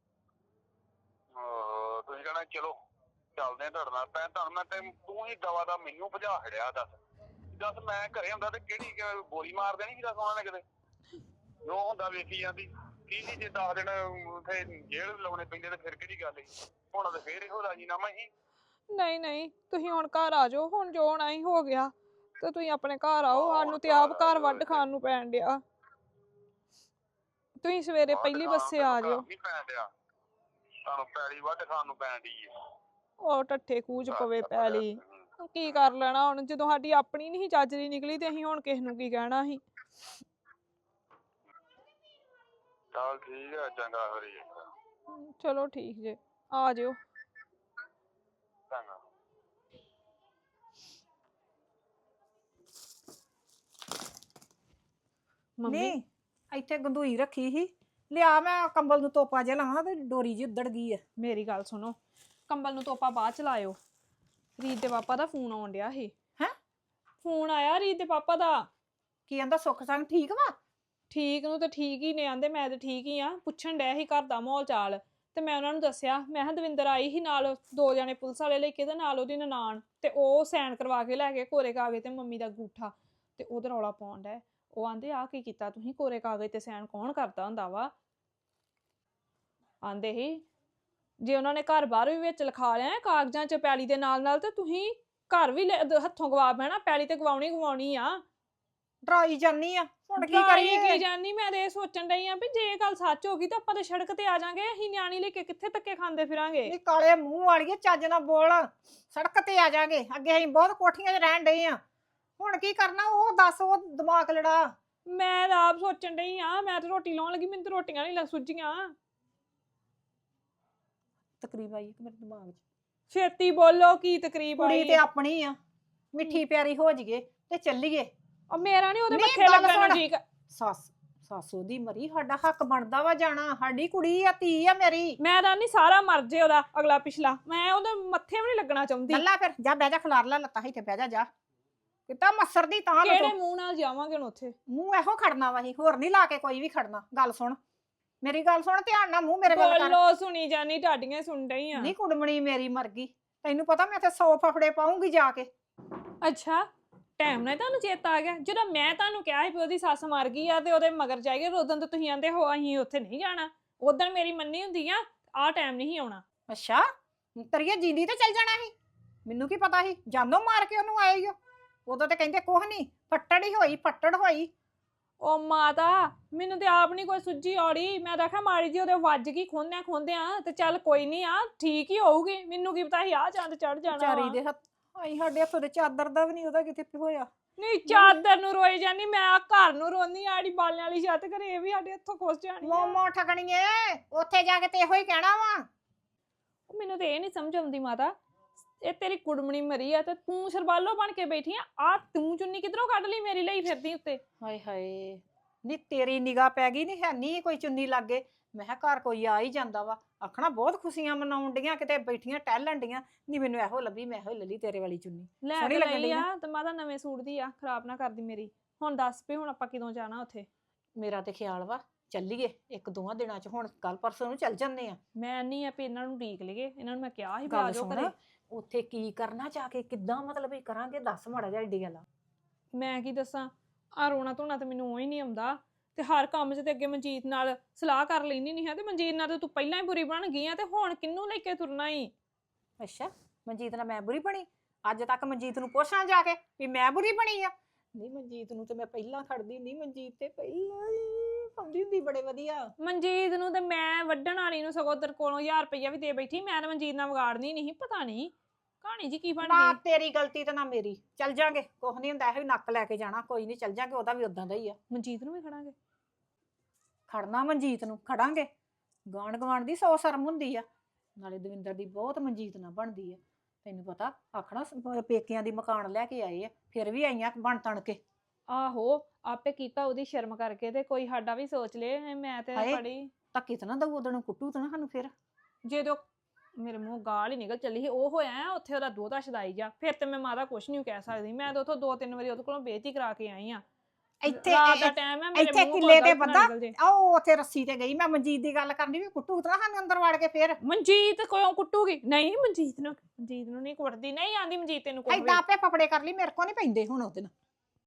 Speaker 5: ਤੁਸੀਂ ਕਹਿਣਾ ਚਲੋ ਚੱਲਦੇ ਆ ਤੁਹਾਡੇ ਨਾਲ, ਤੁਹਾਨੂੰ ਮੈਂ ਤੂੰ ਹੀ ਦਵਾ ਦਾ ਮੈਨੂੰ ਭਜਾ ਖੜਿਆ। ਦੱਸ ਮੈਂ ਘਰੇ ਹੁੰਦਾ ਤੇ ਕਿਹੜੀ ਗੋਲੀ ਮਾਰ ਦੇਣੀ ਸੀ? ਦੱਸ ਉਹਨਾਂ ਨੇ ਕਿਤੇ ਜੋ ਹੁੰਦਾ ਵੇਖੀ ਜਾਂਦੀ ਕੀ ਸੀ? ਜੇ 10 ਦਿਨ ਉੱਥੇ ਜੇਲ੍ਹ ਲਾਉਣੇ ਪੈਂਦੇ ਤੇ ਫਿਰ ਕਿਹੜੀ ਗੱਲ ਸੀ? ਹੁਣ ਤੇ ਫੇਰ ਇਹੋ ਰਾਜੀਨਾਮਾ ਹੀ।
Speaker 3: ਨਹੀਂ ਨਹੀਂ, ਤੁਸੀਂ ਹੁਣ ਘਰ ਆ ਜਾਓ, ਹੁਣ ਜੋ ਹੋਣਾ ਹੀ ਹੋ ਗਿਆ, ਤੇ ਤੁਸੀਂ ਆਪਣੇ ਘਰ ਆਓ। ਸਾਨੂੰ ਤੇ ਆਪ ਘਰ ਵੱਢ ਖਾਣ ਨੂੰ ਪੈਣ ਡਿਆ। ਤੁਸੀਂ ਸਵੇਰੇ ਪਹਿਲੀ ਬੱਸੇ ਆ ਜਾਓ।
Speaker 5: ਨਹੀਂ ਪੈਣ ਡਿਆ ਤੁਹਾਨੂੰ, ਪੈਲੀ ਵੱਢ ਖਾਣ ਨੂੰ ਪੈਣ ਡਈ ਹੈ।
Speaker 3: ਉਹ ਟੱਠੇ ਕੂਚ ਪਵੇ ਪੈਲੀ, ਕੀ ਕਰ ਲੈਣਾ ਹੁਣ? ਜਦੋਂ ਸਾਡੀ ਆਪਣੀ ਨਹੀਂ ਚੱਜਰੀ ਨਿਕਲੀ ਤੇ ਅਸੀਂ ਹੁਣ ਕਿਸ ਨੂੰ ਕੀ ਕਹਿਣਾ ਸੀ?
Speaker 5: ਚੱਲ ਠੀਕ ਹੈ, ਚੰਗਾ ਫਿਰ।
Speaker 3: ਚਲੋ ਠੀਕ ਜੇ, ਆ ਜਿਓ।
Speaker 5: ਚੰਗਾ।
Speaker 3: ਮੰਮੀ
Speaker 2: ਨਹੀਂ ਇੱਥੇ ਗੰਦੂਈ ਰੱਖੀ ਸੀ, ਲਿਆ ਮੈਂ ਕੰਬਲ ਨੂੰ ਤੋਪਾ ਜਿਹਾ ਲਾਵਾਂ ਤੇ ਡੋਰੀ ਜੀ ਉੱਧੜ ਗਈ ਆ।
Speaker 3: ਮੇਰੀ ਗੱਲ ਸੁਣੋ, ਕੰਬਲ ਨੂੰ ਤੋਪਾ ਬਾਅਦ ਚ ਲਾਇਓ। ਰੀਤ ਦੇ ਪਾਪਾ ਦਾ ਫੋਨ ਆਉਣ ਡਿਆ ਸੀ।
Speaker 2: ਹੈਂ?
Speaker 3: ਫੋਨ ਆਇਆ ਰੀਤ ਦੇ ਪਾਪਾ ਦਾ।
Speaker 2: ਕੀ ਕਹਿੰਦਾ ਸੁੱਖ ਸੰਗ ਠੀਕ ਵਾ?
Speaker 3: ਠੀਕ ਨੂੰ ਤਾਂ ਠੀਕ ਹੀ ਨੇ ਆਂਦੇ, ਮੈਂ ਤਾਂ ਠੀਕ ਹੀ ਆ। ਪੁੱਛਣ ਡਿਆ ਸੀ ਘਰ ਦਾ ਮਾਹੌਲ ਚਾਲ, ਤੇ ਮੈਂ ਉਹਨਾਂ ਨੂੰ ਦੱਸਿਆ, ਮੈਂ ਕਿਹਾ ਦਵਿੰਦਰ ਆਈ ਸੀ ਨਾਲ 2 ਜਣੇ ਪੁਲਿਸ ਵਾਲੇ ਲੈ ਕੇ ਤੇ ਨਾਲ ਉਹਦੀ ਨਨਾਣ, ਤੇ ਉਹ ਸਾਈਨ ਕਰਵਾ ਕੇ ਲੈ ਗਏ ਕੋਰੇ ਕਾਗਜ਼ ਤੇ ਮੰਮੀ ਦਾ ਅੰਗੂਠਾ, ਤੇ ਉਹਦਾ ਰੌਲਾ ਪਾਉਣ ਡਿਆ। ਉਹ ਆਂਦੇ ਆ ਕੀ ਕੀਤਾ ਤੁਸੀਂ? ਕੋਰੇ ਕਾਗਜ਼ ਤੇ ਸਾਈਨ ਕੌਣ ਕਰਦਾ ਹੁੰਦਾ ਵਾ? ਆਂਦੇ ਹੀ ਜੇ ਉਹਨਾਂ ਨੇ ਘਰ ਬਾਹਰ ਵੀ ਵਿੱਚ ਲਿਖਾ ਲਿਆ ਕਾਗਜ਼ਾਂ 'ਚ ਪੈਲੀ ਦੇ ਨਾਲ ਨਾਲ, ਤੇ ਤੁਸੀਂ ਘਰ ਵੀ ਹੱਥੋਂ ਗਵਾ ਬਹਿਣਾ, ਪੈਲੀ ਤੇ ਗਵਾਉਣੀ ਆ।
Speaker 2: ਡਰਾਈ ਜਾਨੀ ਆ, ਹੁਣ ਕੀ
Speaker 3: ਡਰਾਈ
Speaker 2: ਕਰੀਏ?
Speaker 3: ਕੀ ਜਾਨੀ? ਮੈਂ ਤੇ ਇਹ ਸੋਚਣ ਡਈ ਆ ਵੀ ਜੇ ਗੱਲ ਸੱਚ ਹੋ ਗਈ ਤਾਂ ਆਪਾਂ ਤੇ ਸੜਕ ਤੇ ਆ ਜਾਾਂਗੇ, ਅਸੀਂ ਨਿਆਣੀ ਲੈ ਕੇ ਕਿੱਥੇ ਧੱਕੇ ਖਾਂਦੇ ਫਿਰਾਂਗੇ?
Speaker 2: ਨੀ ਕਾਲੇ ਮੂੰਹ ਵਾਲੀਏ, ਚੱਜ ਨਾਲ ਬੋਲ। ਸੜਕ ਤੇ ਆ ਜਾਗੇ, ਅੱਗੇ ਅਸੀਂ ਬਹੁਤ ਕੋਠੀਆਂ 'ਚ ਰਹਿਣ ਡਏ ਆ, ਹੁਣ ਕੀ ਕਰਨਾ? ਉਹ ਦੱਸ, ਉਹ ਦਿਮਾਗ ਲੜਾ।
Speaker 3: ਮੈਂ ਤਾਂ ਆਪ ਸੋਚਣ ਡਈ ਆ, ਮੈਂ ਤਾਂ ਰੋਟੀ ਲਾਉਣ ਲੱਗੀ, ਮੈਨੂੰ ਤਾਂ ਰੋਟੀਆਂ ਨਹੀਂ ਸੁੱਝੀਆਂ।
Speaker 2: ਤਕਰੀਬ ਆਈ ਮੇਰੇ ਦਿਮਾਗ 'ਚ।
Speaker 3: ਛੇਤੀ ਬੋਲੋ, ਕੀ ਤਕਰੀਬ
Speaker 2: ਕੁੜੀ
Speaker 3: ਆਈ?
Speaker 2: ਤੇ ਆਪਣੀ ਆ, ਮਿੱਠੀ ਪਿਆਰੀ ਹੋ ਜੀਏ ਤੇ ਚੱਲੀਏ।
Speaker 3: ਉਹ ਮੇਰਾ ਨਹੀਂ ਉਹਦੇ
Speaker 2: ਨਹੀਂ,
Speaker 3: ਮੱਥੇ
Speaker 2: ਗੱਲ
Speaker 3: ਲੱਗਣ ਨੂੰ
Speaker 2: ਸੁਣ।
Speaker 3: ਠੀਕ।
Speaker 2: ਸੱਸ ਉਹਦੀ ਮਰੀ, ਸਾਡਾ ਹੱਕ ਬਣਦਾ ਵਾ ਜਾਣਾ, ਸਾਡੀ ਕੁੜੀ ਆ, ਧੀ ਆ ਮੇਰੀ।
Speaker 3: ਮੈਂ ਤਾਂ ਨਹੀਂ ਸਾਰਾ ਮਰ ਜੇ ਉਹਦਾ ਅਗਲਾ ਪਿਛਲਾ, ਮੈਂ ਉਹਦੇ ਮੱਥੇ ਵੀ ਨਹੀਂ ਲੱਗਣਾ ਚਾਹੁੰਦੀ।
Speaker 2: ਗੱਲਾਂ ਫਿਰ ਜਾ ਬਹਿ ਜਾ, ਖਲਾਰ ਲੈ ਲੱਤਾਂ ਇੱਥੇ ਬਹਿ ਜਾ। ਕਿਤਾ ਮੱਸਰ ਦੀ ਤਾਂ
Speaker 3: ਕਿਹੜੇ ਮੂੰਹ ਨਾਲ ਜਾਵਾਂਗੇ ਹੁਣ ਉੱਥੇ?
Speaker 2: ਮੂੰਹ ਇਹੋ ਖੜਨਾ ਵਾ, ਹੋਰ ਨਹੀਂ ਲਾ ਕੇ ਕੋਈ ਵੀ ਖੜਨਾ। ਗੱਲ ਸੁਣ, ਮੇਰੀ ਗੱਲ ਸੁਣ ਧਿਆਨ ਨਾਲ, ਮੂੰਹ ਮੇਰੇ ਵੱਲ ਕਰ।
Speaker 3: ਬੋਲੋ, ਸੁਣੀ ਜਾਨੀ, ਢਾਡੀਆਂ ਸੁਣ ਡਈ ਆ।
Speaker 2: ਨਹੀਂ ਕੁੜਮਣੀ ਮੇਰੀ ਮਰ ਗਈ, ਤੈਨੂੰ ਪਤਾ ਮੈਂ ਤੇ 100 ਫਫੜੇ ਪਾਉਂਗੀ ਜਾ ਕੇ।
Speaker 3: ਅੱਛਾ, ਟਾਈਮ ਨਾਲ ਤੁਹਾਨੂੰ ਚੇਤਾ ਆ ਗਿਆ? ਜਦੋਂ ਮੈਂ ਤੁਹਾਨੂੰ ਕਿਹਾ ਸੀ ਵੀ ਉਹਦੀ ਸੱਸ ਮਰ ਗਈ ਆ ਤੇ ਉਹਦੇ ਮਗਰ ਜਾਈਏ, ਉਦੋਂ ਤਾਂ ਤੁਸੀਂ ਆਂਦੇ ਹੋ ਅਸੀਂ ਉੱਥੇ ਨਹੀਂ ਜਾਣਾ।
Speaker 6: ਉਦੋਂ ਮੇਰੀ ਮੰਨੀ ਹੁੰਦੀ ਆ ਟਾਈਮ ਨਹੀਂ ਆਉਣਾ।
Speaker 7: ਅੱਛਾ ਤਰੀਏ ਜਿੰਦੀ ਤੇ ਚੱਲ ਜਾਣਾ ਸੀ, ਮੈਨੂੰ ਕੀ ਪਤਾ ਸੀ ਜਾਨੋਂ ਮਾਰ ਕੇ ਉਹਨੂੰ ਆਏ ਈ ਓ। ਉਦੋਂ ਤੇ ਕਹਿੰਦੇ ਕੁਛ ਨਹੀਂ, ਫੱਟੜ ਹੋਈ।
Speaker 6: ਉਹ ਮਾਤਾ ਮੈਨੂੰ ਤੇ ਆਪ ਨਹੀਂ ਕੋਈ ਸੁੱਝੀ ਔੜੀ, ਮੈਂ ਤਾਂ ਆਖਿਆ ਮਾੜੀ ਜੀ ਉਹਦੇ ਵੱਜ ਗਈ ਖੋਂਦਿਆਂ ਤੇ ਚੱਲ ਕੋਈ ਨਹੀਂ ਆ ਠੀਕ ਹੀ ਹੋਊਗੀ, ਮੈਨੂੰ ਕੀ ਪਤਾ ਸੀ ਆ ਚੰਦ ਚੜ ਜਾਣਾ
Speaker 7: ਵਿਚਾਰੀ
Speaker 6: ਵਾ।
Speaker 7: ਦੇ ਹੱਥ ਆਈ ਸਾਡੇ ਹੱਥੋਂ ਦੇ ਚਾਦਰ ਦਾ ਵੀ ਨਹੀਂ ਉਹਦਾ ਕਿਤੇ ਹੋਇਆ।
Speaker 6: ਨਹੀਂ ਚਾਦਰ ਨੂੰ ਰੋਈ ਜਾਨੀ, ਮੈਂ ਆ ਘਰ ਨੂੰ ਰੋਂਦੀ ਆੜੀ ਬਾਲਿਆਂ ਵਾਲੀ ਛੱਤ ਘਰੇ ਇਹ ਵੀ ਸਾਡੇ ਹੱਥੋਂ ਖੁੱਸ ਜਾਣੀ ਆ।
Speaker 7: ਮੋਮੋ ਠਗਣੀਏ ਉੱਥੇ ਜਾ ਕੇ ਤੇ ਇਹੋ ਹੀ ਕਹਿਣਾ ਵਾ।
Speaker 6: ਮੈਨੂੰ ਤੇ ਇਹ ਨਹੀਂ ਸਮਝ ਆਉਂਦੀ ਮਾਤਾ, ਇਹ ਤੇਰੀ ਕੁੜਮਣੀ ਮਰੀ ਆ ਤੇ ਤੂੰ ਸਰਬਾਲੋ ਬਣ ਕੇ ਬੈਠੀ ਆ ਤੂੰ ਚੁੰਨੀ ਕਿਧਰੋਂ ਕੱਢ ਲਈ ਮੇਰੀ ਲਈ ਫਿਰਦੀ ਉੱਤੇ।
Speaker 7: ਹਾਏ ਹਾਏ ਨੀ ਤੇਰੀ ਨਿਗਾਹ ਪੈ ਗਈ, ਨਹੀਂ ਹੈ ਨਹੀਂ ਕੋਈ ਚੁੰਨੀ ਲੱਗੇ। ਮੈਂ ਕਿਹਾ ਘਰ ਕੋਈ ਆ ਹੀ ਜਾਂਦਾ ਵਾ, ਆਖਣਾ ਬਹੁਤ ਖੁਸ਼ੀਆਂ ਮਨਾਉਣ ਡੀਆਂ, ਕਿਤੇ ਬੈਠੀਆਂ ਟਹਿਲਣ ਡੀਆਂ। ਨਹੀਂ ਮੈਨੂੰ ਇਹੋ ਲੱਭੀ, ਮੈਂ ਇਹੋ ਲੱਲੀ ਤੇਰੇ ਵਾਲੀ ਚੁੰਨੀ।
Speaker 6: ਲੈ
Speaker 7: ਸੋਹਣੀ
Speaker 6: ਤੇ
Speaker 7: ਲੱਗਣ
Speaker 6: ਲਈ
Speaker 7: ਡਈ
Speaker 6: ਆ
Speaker 7: ਨਾ।
Speaker 6: ਤੇ ਮਾਤਾ ਨਵੇਂ ਸੂਟ ਦੀ ਆ, ਖਰਾਬ ਨਾ ਕਰਦੀ ਮੇਰੀ। ਹੁਣ ਦੱਸ ਵੀ ਹੁਣ ਆਪਾਂ ਕਿਦੋਂ ਜਾਣਾ ਉੱਥੇ?
Speaker 7: ਮੇਰਾ ਤੇ ਖਿਆਲ ਵਾ ਚੱਲੀਏ 1-2 ਦਿਨਾਂ ਚ, ਹੁਣ ਕੱਲ ਪਰਸੋਂ ਨੂੰ ਚੱਲ ਜੰਨੇ ਆ।
Speaker 6: ਮੈਂ ਨਹੀਂ ਆ ਵੀ ਇਹਨਾਂ ਨੂੰ ਢੀਕ ਲਈਏ, ਇਹਨਾਂ ਨੂੰ ਮੈਂ ਕਿਹਾ ਸੀ ਵੀ
Speaker 7: ਗੱਲ
Speaker 6: ਆ ਜਾਓ
Speaker 7: ਸੁਣ,
Speaker 6: ਘਰੇ।
Speaker 7: ਉੱਥੇ ਕੀ ਕਰਨਾ ਜਾ ਕੇ, ਕਿੱਦਾਂ ਮਤਲਬ ਇਹ ਕਰਾਂਗੇ, ਦੱਸ ਮਾੜਾ ਜਿਹਾ ਏਡੀ ਗੱਲ ਆ।
Speaker 6: ਮੈਂ ਕੀ ਦੱਸਾਂ, ਆ ਰੋਣਾ ਧੋਣਾ ਤੇ ਮੈਨੂੰ ਉਹ ਹੀ ਨਹੀਂ ਆਉਂਦਾ, ਤੇ ਹਰ ਕੰਮ 'ਚ ਤੇ ਅੱਗੇ ਮਨਜੀਤ ਨਾਲ ਸਲਾਹ ਕਰ ਲੈਣੀ ਨਹੀਂ ਹੈ, ਤੇ ਮਨਜੀਤ ਨਾਲ ਤੇ ਤੂੰ ਪਹਿਲਾਂ ਹੀ ਬੁਰੀ ਬਣ ਗਈ ਆ, ਤੇ ਹੁਣ ਕਿਹਨੂੰ ਲੈ ਕੇ ਤੁਰਨਾ ਈ?
Speaker 7: ਅੱਛਾ ਮਨਜੀਤ ਨਾਲ ਮੈਂ ਬੁਰੀ ਬਣੀ? ਅੱਜ ਤੱਕ ਮਨਜੀਤ ਨੂੰ ਪੁੱਛਾਂ ਜਾ ਕੇ ਵੀ ਮੈਂ ਬੁਰੀ ਬਣੀ ਆ? ਨਹੀਂ ਮਨਜੀਤ ਨੂੰ ਤੇ ਮੈਂ ਪਹਿਲਾਂ ਖੜਦੀ ਹੁੰਦੀ, ਮਨਜੀਤ ਤੇ ਪਹਿਲਾਂ ਹੀ ਪਾਉਂਦੀ ਹੁੰਦੀ ਬੜੇ ਵਧੀਆ।
Speaker 6: ਮਨਜੀਤ ਨੂੰ ਤੇ ਮੈਂ ਵੱਢਣ ਵਾਲੀ ਨੂੰ ਸਗੋਂ ਤੇਰੇ ਕੋਲੋਂ 1000 ਰੁਪਈਆ ਵੀ ਦੇ ਬੈਠੀ, ਮੈਂ ਤਾਂ ਮਨਜੀਤ ਨਾਲ ਵਿਗਾੜਨੀ ਨਹੀਂ, ਪਤਾ ਨਹੀਂ ਕਹਾਣੀ ਜੀ ਕੀ ਬਣ
Speaker 7: ਨਾ
Speaker 6: ਗਈ।
Speaker 7: ਤੇਰੀ ਗਲਤੀ ਤੇ ਨਾ ਮੇਰੀ, ਚੱਲ ਜਾਾਂਗੇ, ਕੁਛ ਨਹੀਂ ਹੁੰਦਾ, ਇਹੋ ਨੱਕ ਲੈ ਕੇ ਜਾਣਾ, ਕੋਈ ਨਹੀਂ ਚੱਲ ਜਾਾਂਗੇ, ਉਹਦਾ ਵੀ ਉਦਾਂ ਦਾ ਹੀ ਆ।
Speaker 6: ਮਨਜੀਤ ਨੂੰ ਵੀ ਖੜਾਂਗੇ?
Speaker 7: ਖੜਨਾ ਮਨਜੀਤ ਨੂੰ ਖੜਾਂਗੇ, ਗਾਂਢ ਗਵਾਂਢ ਦੀ 100 ਸ਼ਰਮ ਹੁੰਦੀ ਆ। ਨਾਲੇ ਦਵਿੰਦਰ ਦੀ ਬਹੁਤ ਮਨਜੀਤ ਨਾਲ ਬਣਦੀ ਆ, ਤੈਨੂੰ ਪਤਾ ਆਖਣਾ ਪੇਕਿਆਂ ਦੀ ਮਕਾਨ ਲੈ ਕੇ ਆਏ ਆ, ਫਿਰ ਵੀ ਆਈਆਂ ਬਣ ਤਣ ਕੇ।
Speaker 6: ਆਹੋ ਆਪੇ ਕੀਤਾ ਉਹਦੀ ਸ਼ਰਮ ਕਰਕੇ, ਤੇ ਕੋਈ ਸਾਡਾ ਵੀ ਸੋਚ ਲੇ। ਮੈਂ ਤੇ
Speaker 7: ਹਾਏ।
Speaker 6: ਬੜੀ
Speaker 7: ਧੱਕੇ ਤਾਂ ਨਾ ਦਊ, ਉਦੋਂ ਨੂੰ ਕੁੱਟੂ ਤਾਂ ਨਾ ਸਾਨੂੰ ਫਿਰ।
Speaker 6: ਜਦੋਂ ਮੇਰੇ ਮੂੰਹ ਗਾਲ ਹੀ ਨਿਕਲ ਚੱਲੀ ਸੀ, ਉਹ ਹੋਇਆ ਉੱਥੇ ਉਹਦਾ ਦੋਹਤਾ ਛਦਾਈ ਜਾ, ਫਿਰ ਤੇ ਮੈਂ ਮਾਤਾ ਕੁਛ ਨਹੀਂ ਕਹਿ ਸਕਦੀ। ਮੈਂ ਤਾਂ ਉੱਥੋਂ 2-3 ਵਾਰੀ ਉਹਦੇ ਕੋਲੋਂ ਬੇਇੱਜ਼ਤੀ ਕਰਾ ਕੇ ਆਈ ਆ।
Speaker 7: ਇੱਥੇ
Speaker 6: ਰਾਤ ਦਾ ਟਾਈਮ ਹੈ, ਮੇਰੇ
Speaker 7: ਇੱਥੇ
Speaker 6: ਮੂੰਹ
Speaker 7: ਕਿੱਲੇ
Speaker 6: ਕੋਲ
Speaker 7: ਤੇ
Speaker 6: ਗਲਤ ਨਾ
Speaker 7: ਬੰਦਾ
Speaker 6: ਨਿਕਲ ਜੇ।
Speaker 7: ਉਹ ਉੱਥੇ ਰੱਸੀ ਤੇ ਗਈ, ਮੈਂ ਮਨਜੀਤ ਦੀ ਗੱਲ ਕਰਨੀ ਵੀ ਕੁੱਟੂ ਤਾਂ ਨਾ ਸਾਨੂੰ ਅੰਦਰ ਵੜ ਕੇ ਫਿਰ।
Speaker 6: ਮਨਜੀਤ ਕਿਉਂ ਕੁੱਟੂਗੀ? ਨਹੀਂ ਮਨਜੀਤ ਨੂੰ ਨਹੀਂ ਕੁੱਟਦੀ, ਨਹੀਂ ਆਂਦੀ ਮਨਜੀਤ ਤੈਨੂੰ ਕੁੱਟਦੀ।
Speaker 7: ਏਦਾਂ ਆਪੇ ਫਫੜੇ ਕਰ ਲਈ, ਮੇਰੇ ਕੋ ਨਹੀਂ ਪੈਂਦੇ ਹੁਣ ਉਹਦੇ ਨਾਲ।